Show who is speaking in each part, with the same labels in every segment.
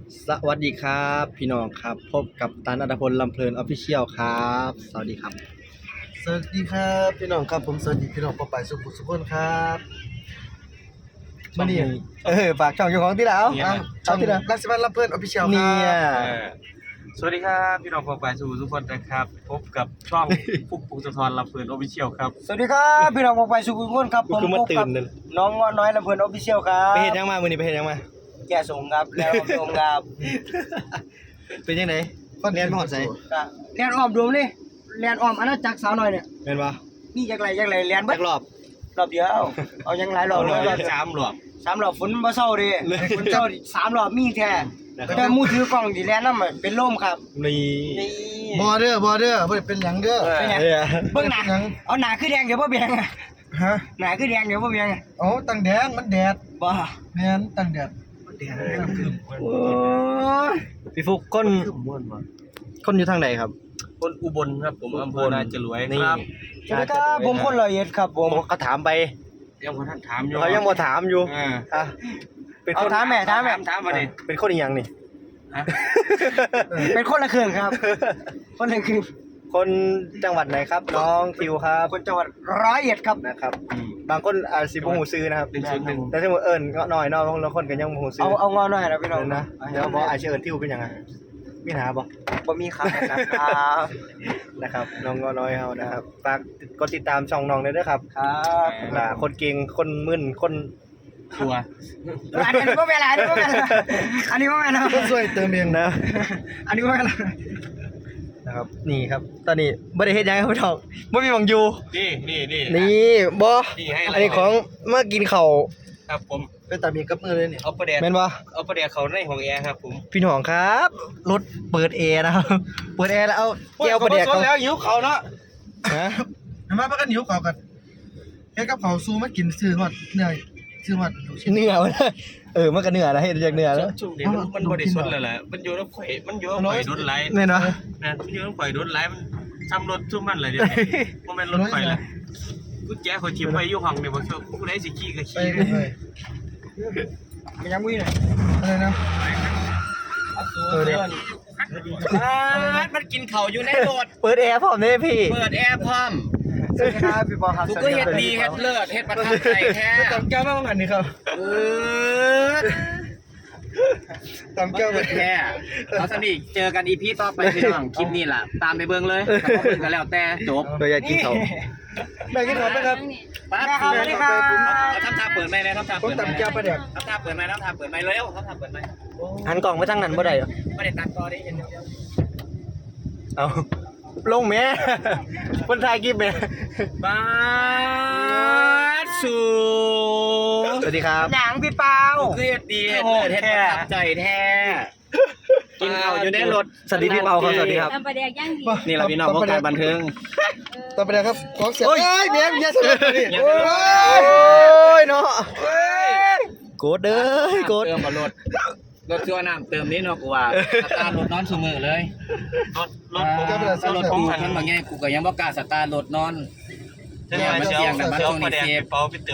Speaker 1: สวัสดีครับพี่น้องครับพบกับตันอัตพลลำเพลินออฟฟิเชียลครับสวัสดีครับ
Speaker 2: สวัสดีครับพี่น้องครับผมสวัสดีพี่น้องปอไปสุขุมสุขนครับมานี่
Speaker 1: ฝากช่องเจ้าของที่แล้ว
Speaker 2: ช่องรักสิบันลำเพื่อนออฟฟิเชียลค
Speaker 1: เนี่
Speaker 2: รั
Speaker 1: ย
Speaker 2: บ
Speaker 3: สวัสดีครับพี่น้องปองไปสู่ทุกคนนะครับพบกับช่องฟุกปุกสะทอนลำเพลินออฟฟิเชียลครับ
Speaker 2: สวัสดีครับพี่น้องปอไปสุขุมสุขนครับผม
Speaker 1: คือมา
Speaker 2: พบ
Speaker 1: ตื่
Speaker 2: กับ
Speaker 1: นเลย
Speaker 2: น้องน้อยลำเพื่อนออฟฟิเชียลครั
Speaker 1: ไป
Speaker 2: บ
Speaker 1: เห็นยังมามือนี้ไปเห็นยังมา
Speaker 2: แก่ส่งครับแล้วรวมครับ
Speaker 1: เป็นยังไงเรียนมหอดใส่
Speaker 2: เรียนอ้อมดวงนี่เรียนอ้อมอาณาจักรสาวน้อยเนี่ย
Speaker 1: เป็นปะ
Speaker 2: นี่จักไรเรียนเบิ
Speaker 1: จั
Speaker 2: ด
Speaker 1: กรอบ
Speaker 2: รอบเดียวเอายังหลายรอบ
Speaker 3: เรา
Speaker 2: รอบ
Speaker 3: สามหลอก
Speaker 2: 3 รอบฝนบ่เศร้าดิฝนเศร้าดิ3 รอบมีแท้แต่มือถือกล้องที่แลนนำเป็นลมครับ
Speaker 1: นี่
Speaker 2: นี่
Speaker 4: บอเด้บ่ได้เป็นหยังเด้อ
Speaker 2: เป็นไง
Speaker 1: เนี่ย
Speaker 2: เบิ่งหน้าเอาหน้าคือแดงเดี๋ยวบ่เบียงอะ
Speaker 4: ฮะ
Speaker 2: หน้าคือแดงเดี๋ยวบ่เบียงอะ
Speaker 4: โอ้ตั้งแดงมันแดด
Speaker 2: บ่
Speaker 4: แม่นตั้งแดด
Speaker 1: โอ้ยพี่ฟุกคนคนอยู่ทางไหนครับ
Speaker 3: คนอุบลครับผมอำเภอนาจรวย
Speaker 1: นี่
Speaker 3: ครับ
Speaker 2: สวัสดีครับผมคนร้อยเอ็ดครับผม
Speaker 1: เขาถามไป
Speaker 3: ยังคนท่านถามอยู่
Speaker 1: เขายังบ่ถามอยู่
Speaker 3: อ่า
Speaker 1: อ่ะเป็นค
Speaker 2: เอา
Speaker 1: น
Speaker 2: ถามแม่
Speaker 3: ถามมาดิ
Speaker 1: เป็นคนอีหยังนี่
Speaker 3: ฮะ
Speaker 2: เป็นคนละเครื่องครับ คนละเครื่อง
Speaker 1: คนจังหวัดไหนครับ น้องทิวครับ
Speaker 2: คนจังหวัดร้อยเอ็ดครับ
Speaker 1: นะครับ บางคนสิบ่ฮู้ซื้อนะครับ
Speaker 3: 101
Speaker 1: แต่ถ้าเอิ้นเงาะน้อยเนาะบางคนก็ยังบ่ฮู้ซื้
Speaker 2: เอางอหน่อยนะพี่น้อง
Speaker 1: นะเดี๋ยวบ่อาจจะเอิ้นทิวเป็นหยังไงมีหาบ่
Speaker 2: บ่มีครับนะครับ
Speaker 1: นะครับน้องเงาะน้อยเฮานะครับฝากกดติดตามช่องน้องด้วยเด้อครับ
Speaker 2: ครับ
Speaker 1: ล่ะคนเก่งคนมึนคน
Speaker 3: ชัวร์
Speaker 2: อันนี้บ่แม่นอันนี้บ่แม่นอันนี้บ่แม่น
Speaker 4: ก็ช่วยเติมเอง
Speaker 1: นะ
Speaker 2: อันนี้บ่แม่น
Speaker 1: นะครับนี่ครับ ตอนนี้บ่ได้เฮ็ดหยังครับพี่น้องบ่มีหวังอยู่
Speaker 3: นี่
Speaker 1: นี่บ่
Speaker 3: นี่ให้
Speaker 1: อันนี้ของมากินข้าว
Speaker 3: ครับผม
Speaker 4: เป็นตามีกับมือเลยนี่
Speaker 3: เอาประเดี๋ยว
Speaker 1: แม่นบ่
Speaker 3: เอาประเดี๋ยวเขาในห้องแอร์ครับผม
Speaker 1: พี่น้องครับรถเปิดแอร์นะครับเปิดแอร์แล้วเอาแก้วประเดก
Speaker 3: เขาแล้วหิวเขาเนาะ
Speaker 1: ฮะ
Speaker 4: เห็นมาพักกันหิวข้าวกันเฮ็ดกับข้าวสู้มากินซื้อฮอดเหนื่อยซื้อฮอดลูกชิ้น
Speaker 1: เนื้อมันมันก็เนื้อแล้วเฮ็ดจากเนื้อแล้ว
Speaker 3: ช่วงนี้มันบริสุทธิ์แล้วแหละมันอยู่น้ำข่อยมันอยู่น้ำข่อยดุนไหล
Speaker 1: แม่นบ่
Speaker 3: นะมันอยู่น้ำข่อยดุนไหลมันซ้ำรถซุ่มมันเลยเดี๋ยวนี้มันเป็นรถข่อยละกุญแจเขาชิมไว้อยู่ห้องเนี่ยบอกว่าผู้ใดสิขี่ก็
Speaker 4: ไป
Speaker 3: ขี่
Speaker 4: กันเลย
Speaker 2: มันยังมีหน่อย
Speaker 4: อะไรนะ
Speaker 1: เดี๋ยว
Speaker 3: มันกินเข่าอยู่ในรถ
Speaker 1: เปิดแอร์พร้อมเด้พี่
Speaker 3: เปิดแอร์พร้อม
Speaker 2: สวัสดีครับพี่ปอครับ
Speaker 3: กูก็เฮ็ดดีเฮ็ดเลิศเฮ็ดประทับใจแท้
Speaker 4: ตำแก้วมาบังอันนี้ครับ
Speaker 3: เออ
Speaker 4: ตำแก้ว
Speaker 3: เลิศแท้เอาสนิทเจอกันอีพีต่อไปพี่น้องคลิปนี้ล่ะตามไปเบิ่งเลยถ้าบ่เบิ่งก็แล้วแต่จบ
Speaker 1: เราอยากกินเขา
Speaker 4: แม่กินข้าวไหมครับ
Speaker 3: ปั๊บ
Speaker 2: สวัสดีครับ
Speaker 3: เอาทำท่าเปิดไหมเลยทำท่า
Speaker 4: ผม
Speaker 3: เปิดไหม
Speaker 4: ตำแก้วปลาแดก
Speaker 3: ทำท่าเปิดไหมทำท่าเปิดไหมเร็วทำท่าเปิดไหม
Speaker 1: หันกล่องไปทางนั้นบ่ได้เหรอ
Speaker 3: ไม่ได้ตัดต่อได้เห็นเดียว
Speaker 1: เอาลงแม่คนถ่ายคลิปแม่
Speaker 3: บ้าสู
Speaker 1: สวัสดีครับ
Speaker 2: หนังพี่เปา
Speaker 3: เฮ็ดดีเฮ็ดเลิศเฮ็ดประทับใจแท้กินข้าวอยู่ในรถ
Speaker 1: สวัสดีพี่เปาครับสวัสดีครับ
Speaker 5: ทำประเดี๋ยวย่างดี
Speaker 3: นี่แหละพี่น้องวงการบันเทิง
Speaker 4: ตำปลาแดกครับของเสียเอ้ยเบียร์อย่าสนุกนี่
Speaker 3: อย่า
Speaker 4: โอ้
Speaker 3: สนุก
Speaker 4: ย
Speaker 1: ยเนาะโกดเด้อโกด
Speaker 3: เติมกับรถชั่วน้ำเติมนี้เนาะกูว่าสตาร์ทรถนอนซุมือเลยรถกูมันบางแง่กูก็ยังบ่กล้าสตาร์ทรถนอนเนี่ยมันเสี่ยงแต่มันช่วงนี้เซฟ
Speaker 4: อั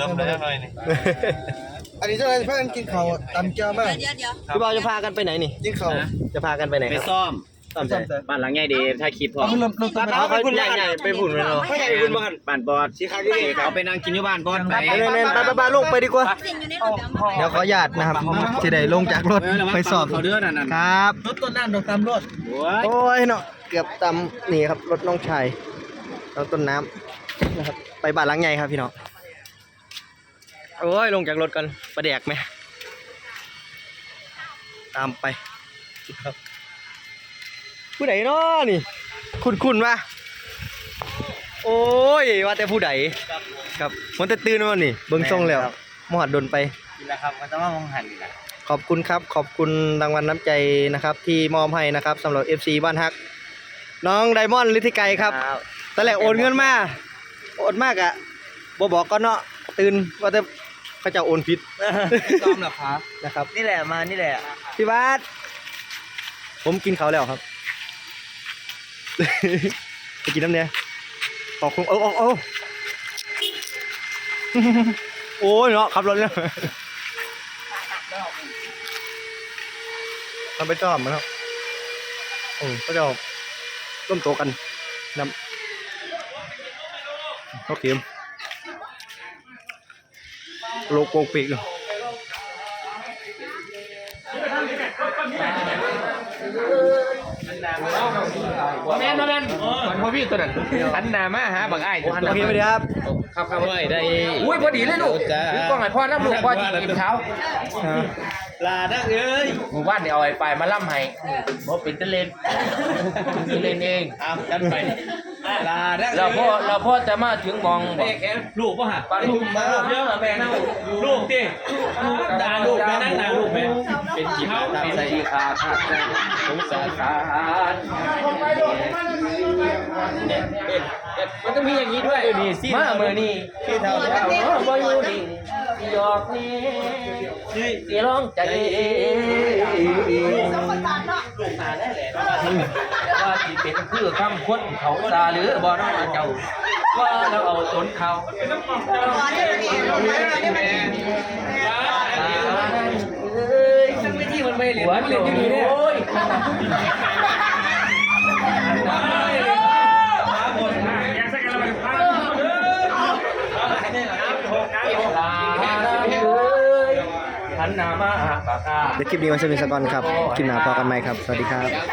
Speaker 4: นนี้เจ้าอะไรพากันกินข้าวตำแก้วมาก
Speaker 5: เดี๋ยว
Speaker 1: พี่เปาจะพากันไปไหนนี่
Speaker 4: กินข้าว
Speaker 1: จะพากันไปไหน
Speaker 3: ไป
Speaker 1: ครับ
Speaker 3: ซ่อม
Speaker 1: ซ่อมใส่
Speaker 3: บ้านหลังใหญ่ดีถ้าคลิปพอ
Speaker 4: เอาเริ่มต้น
Speaker 1: เอาเขาใหญ่ๆไปผุ่นเลยเนาะ
Speaker 3: ไม่ใช่คุณบ้านบ้านบอดสิครับเขาไปนั่งกินอยู่บ้านบอดไป
Speaker 1: เล่นๆไปลงไปดีกว่า
Speaker 5: เส้นอยู่ในรถเดี๋ยวมา
Speaker 1: เดี๋ยวขออนุญาตนะครับจะได้ลงจากรถไปสอบ
Speaker 3: เขาเดือดนั่น
Speaker 1: ครับ
Speaker 4: รถต้นน้ำดอกตำรถ
Speaker 3: โอ้ย
Speaker 1: โอ้ยเนาะเกือบตำนี่ครับรถน้องชายน้องต้นน้ำนะครับไปบ้านหลังใหญ่ครับพี่น้องโอ้ยลงจากรถกันประแดกไหมตามไปครับผู้ใดเนาะนี่คุณวะโอ้ยว่าแต่ผู้ใดครับมันจะตื่นมานี่เบิ่งทรงแล้วมหอดดนไป
Speaker 3: นี่แหละครับมันต้องมามองหันนี่แหละ
Speaker 1: ขอบคุณครับขอบคุณรางวัลน้ำใจนะครับ ที่มอบให้นะครับสำหรับ FC บ้านฮัก น้องไดมอนด์ฤทธิไกรครับตอนแรกโอนเงินมาโอนมากอะบ่บอกก็เนาะตื่นว่าแต่เขาจะโอนผิด
Speaker 3: ซ้อมเหรอครับ
Speaker 1: นะครับ
Speaker 2: นี่แหละมานี่แหละ
Speaker 1: พี่บาสผมกินเขาวแล้วครับ ไปกินน้ำเนี่ยขอบคุณโอ้ยเนาะขับรถเนี่ยมันไปจอมมันครับก็จะร่วมโตกันนำโอเคโลโก้ปีกเลย
Speaker 3: บ่แม่นมันบ่พี่ตัวนั้นหันหน้ามาหาบักอ้าย
Speaker 1: โอเคไปดีครับ
Speaker 3: ครับเว้ยได้อุ้ยพอดีเลยลูกถือกล้องให้พ่อน้ำลูกพ่อจิกินเช้า
Speaker 1: ลาดักเอ้ย
Speaker 3: หมู่บ้านเนี่ยเอาไอ้ปลายมาล่ำให้บ่เป็นตะเล่นเล่นเองจัดไป
Speaker 1: ลาดัก
Speaker 3: เราพ่อจะมาถึงมองบอก
Speaker 5: ลูกป่ะฮะ
Speaker 3: ปลาลูกมา
Speaker 5: เยอะแม่นั่งลูกดิด่าลูกแม่นั่งด่าลูกแม่
Speaker 3: เป็นจีขาดใส่ขาดสงสารมันต้องมีอย่างนี้ด้วยมาเมื่อนี่ที่เท่าบ่อยู่นี่หยอกนี่สิร้องใจว่าสิเป็นคือคำคนเขาซาหรือบ่น้องเจ้าว่าเราเอาตนเขาที่มันไม่เหลือมันเหลืออยู่นี่เนี่ยโอ้ยหันหน้ามาปากกา
Speaker 1: เดี๋ยวคลิปนี้ไว้สมิสกอนครับ คลิปหน้าพอกันไหมครับ สวัสดีครับ